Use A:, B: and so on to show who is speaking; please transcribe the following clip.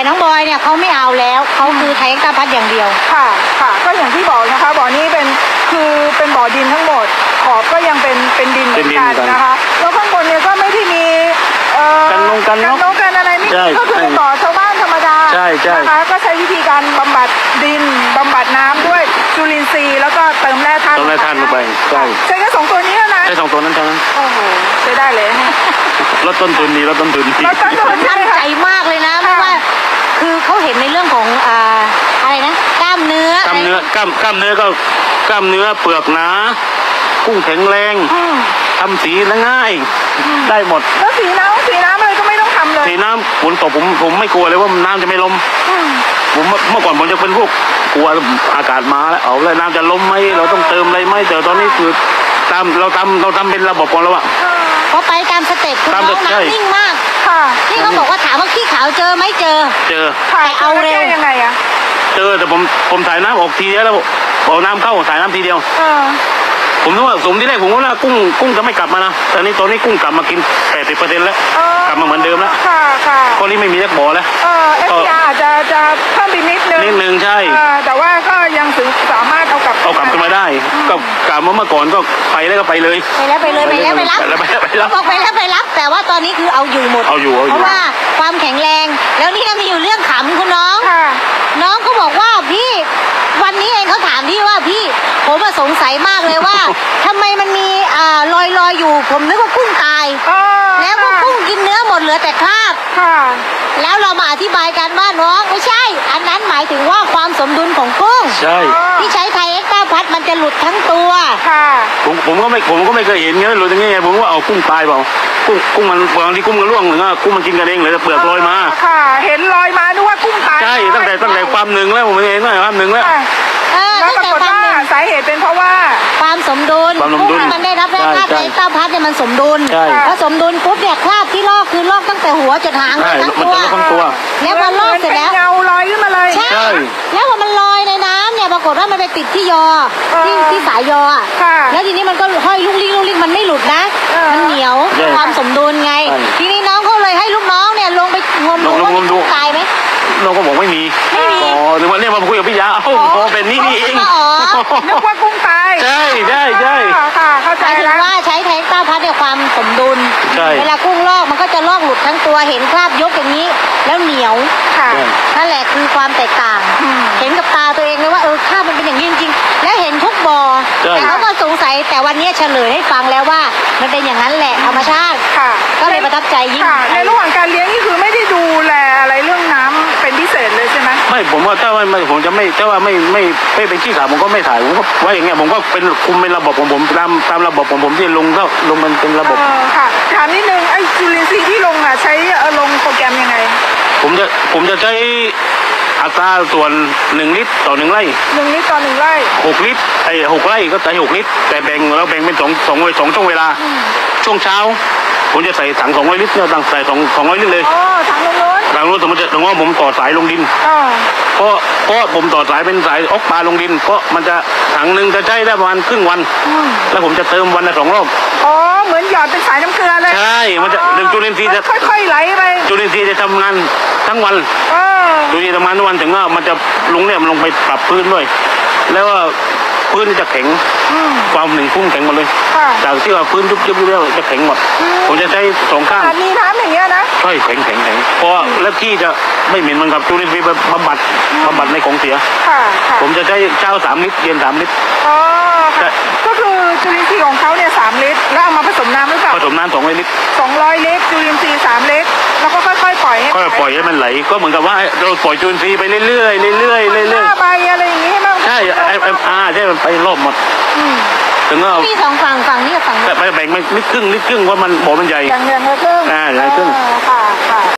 A: น้องบอยเนี่ยเขาไม่เอาแล้วเขาคือไทยเอ็กซ์ตร้าพัดอย่างเดียว
B: ค่ะค่ะก็อย่างที่บอกนะคะบ่อนี้เป็นบ่อดินทั้งหมดขอบก็ยังเป็นดินเหมือนกันนะคะแล้วข้างบนเนี่ยก็ไม่ที่มี
C: กันนก
B: กันอะไรนี่ก็คือบ่อชาวบ้านธรรมดานะคะก็ใช้วิธีการบำบัดดินบำบัดน้ำด้วยจุลินทรีย์แล้วก็เติมแร่ธาตุ
C: ลงไปใช่
B: แค่2 ตัวนี้นะ
C: ใช่2 ตัวนั้นเท่านั้น
B: โอ้โหใช้ได้เลย
C: ลดต้นทุนดี
A: ตั้งใจมากเลยนะเพราะว่าคือเขาเห็นในเรื่องของอะไรนะกล้ามเนื้อกล้ามเนื้อ
C: ก็กล้ามเนื้อเปลือกหนากุ้งแข็งแรงทำสีง่ายได้หมด
B: แล้วสีน้ำอะไรก็ไม่ต้องทำเลย
C: สีน้ำฝนตกผมไม่กลัวเลยว่าน้ำจะไม่ล้มผมเมื่อก่อนผมจะเป็นพวกกลัวอากาศมาแล้วเอาแล้วน้ำจะล้มไหมเราต้องเติมอะไรไหมแต่ตอนนี้คือเราทำเป็นระบบของเราอะ
A: พอไปตามสเต็ปคุณน้องน้ำนิ่งมาก
B: ค่ะ
A: ที่เขาบอกว่าถามว่าขี้ขาวเจอไหมเจอ
B: แต่เอาเร็วยังไงอะ
C: เจอแต่ผมถ่ายน้ำออกทีเดียวแล้วเอาน้ำเข้าถ่ายน้ำทีเดียวผมนึกว่าสมที่แรกผมว่ากุ้งจะไม่กลับมานะแต่นี้ตอนนี้กุ้งกลับมากิน 80% แล้วกลับมาเหมือนเดิมแล้ว
B: ค่ะ
C: ข้อนี้ไม่มีแยกบ่อแล้ว
B: FPR อาจจะเพิ่มไปนิด
C: นึงใช่
B: แต่ว่าก็ยังสามารถเอากลับ
C: ขึ้นมาได้ก็กลับมาเมื่อก่อนก็ไปแล้วก็ไปเลย
A: ไปรับบอกไปรับแต่ว่าตอนนี้คือเอาอยู่หมดเพราะว่าความแข็งแรงแล้วนี่มีอยู่เรื่องขำคุณน้องน้องก็บอกว่าพี่วันนี้เองเขาถามพี่ว่าพี่ผมสงสัยมากเลยว่าทำไมมันมีลอยอยู่ผมนึกว่ากุ้งตายแล้วก็กุ้งกินเนื้อหมดเหลือแต่คราบแล้วเรามาอธิบายกันว่าน้องไม่ใช่อันนั้นหมายถึงว่าความสมดุลของกุ้ง
C: ใช่
A: ที่ใช้ไทยเอ็กซ์ตร้าพัดมันจะหลุดทั้งตัว
C: ผมก็ไม่เคยเห็นเงี้ยหลุดอย่างเงี้ยผมว่าเอากุ้งตายเปล่ากุ้งมันบางทีกุ้งมันร่วงหรือว่ากุ้งมันกินกันเองหรือเปลือกลอยมา
B: เห็นลอยมานึกว่ากุ้งตาย
C: ใช่ตั้งแต่ความหนึ่งแล้วผมเห็นว่าความหนึ่งแล้ว
B: แล้วปรากฏว่าสาเหตุเป็นเพราะว่า
A: ความสมดุลกุ้งมันได้รับแร่ธาตุไทยเอ็กซ์ตร้าพัดเนี่ยมันสมดุลพอสมดุลปุ๊บเนี่ยคราบที่ลอกคือลอกตั้งแต่หัวจนหางทั้งตัวแล้วพอลอกเสร็จแล้ว
B: เงาลอยขึ้นมาเลย
A: ใช่แล้วพอมันลอยในน้ำเนี่ยปรากฏว่ามันไปติดที่ยอที่สายยอแล้วทีนี้มันก็ห้อยลุกลิ้งมันไม่หลุดนะมันเหนียวความสมดุลไงทีนี้น้องเขาเลยให้ลูกน้องเนี่ยลงไปงมดูว่าตายไหม
C: เราก็บอกไม่มีอ๋อหรือว่าเนี่ยมาคุยกับพี่ยาพอเป็นนี่เอง
B: นึกว่ากุ้งตาย
C: ใช่
B: ค่ะเข้าใจ
A: แล้วว่าใช้ไทยเอ็กซ์ตร้าพัดเนี่ยความสมดุลเวลากุ้งลอกมันก็จะลอกหลุดทั้งตัวเห็นคราบยกอย่างนี้แล้วเหนียวนั่นแหละคือความแตกต่างเห็นกับตาตัวเองเลยว่าคราบมันเป็นอย่างนี้จริงๆแล้วเห็นทุกบ่อแต่เขาก็สงสัยแต่วันนี้เฉลยให้ฟังแล้วว่ามันเป็นอย่างนั้นแหละธรรมชาติก็เลยประทับใจยิ่ง
B: ในระหว่างการเลี้ยงนี่คือไม่ได้ดูแลอะไรเรื่องน้ำเป็นพิเศษเลยใช่ไหม
C: ไม่ผมว่าถ้าว่าผมจะไม่ถ้าว่าไม่เป็นขี้ขาวผมก็ไม่ถ่ายผมก็ไว้อย่างเงี้ยผมก็เป็นคุมเป็นระบบของผมตามระบบของผมที่ลงมันเป็นระบบ
B: ค่ะถามนิดนึงไอ้จุลินทรีย์ที่ลงใช้ลงโปรแกรมยังไง
C: ผมจะใช้อัตราส่วน1 ลิตรต่อ1 ไร่
B: 1 ลิตรต่อ1 ไร่
C: 6 ลิตร6 ไร่ก็ใส่6 ลิตรแต่แบ่งเป็น2ช่วงเวลาช่วงเช้าผมจะใส่ถัง200 ลิตรเนี่ยใส่200 ลิตรเลย
B: ถังลงนู้น
C: สมมติว่าผมต่อสายลงดินเพราะผมต่อสายเป็นสายออกปลาลงดินเพราะมันจะถังนึงจะใช้ได้ประมาณครึ่งวันแล้วผมจะเติมวันละ2 รอบ
B: เหมือนหยอดเป็นสายน้ำเกลือเลย
C: ใช่มันจะจุลินทรีย์จะ
B: ค่อยๆไหลไป
C: จุลินทรีย์จะทำงานทั้งวันจุลินทรีย์ทำงานทั้งวันถึงว่ามันจะลงไปปรับพื้นด้วยแล้วว่าพื้นจะแข็งความหนึ่งพุ่งแข็งหมดเลยจากที่ว่าพื้นยุบแล้วจะแข็งหมดผมจะใช้2 ข้าง
B: มีน้ำอย่างเงี้ยนะ
C: ใช่แข็งเพราะแล้วที่จะไม่เหม็นมันกับจุลินทรีย์บำบัดในของเสียผมจะใช้เช้า3 ลิตรเย็น3 ลิตร
B: ก็คือจุลินทรีย์ของเขาเนี่ย3 ลิตรแล้วเอามาผสมน้ำหรือเปล่า
C: ผสมน้ำ200 ลิตร
B: 200 ลิตรจุลินทรีย์3 ลิตรแล้วก็ค่อยๆปล่อย
C: ให้มันไหลก็เหมือนกับว่าเราปล่อยจุลินทรีย์ไปเรื่อย
B: ๆใบอะไรอย่างงี้
C: ใช่ใช่มันไปรอบหมดถึงก็
A: มี2 ฝั่งนี่กับฝั่ง
C: แต่แบ่งมันลิตรครึ่งว่ามันบ่อมันใหญ่
B: อย่างละครึ่ง
C: ใหญ่ครึ่ง
B: ค่ะ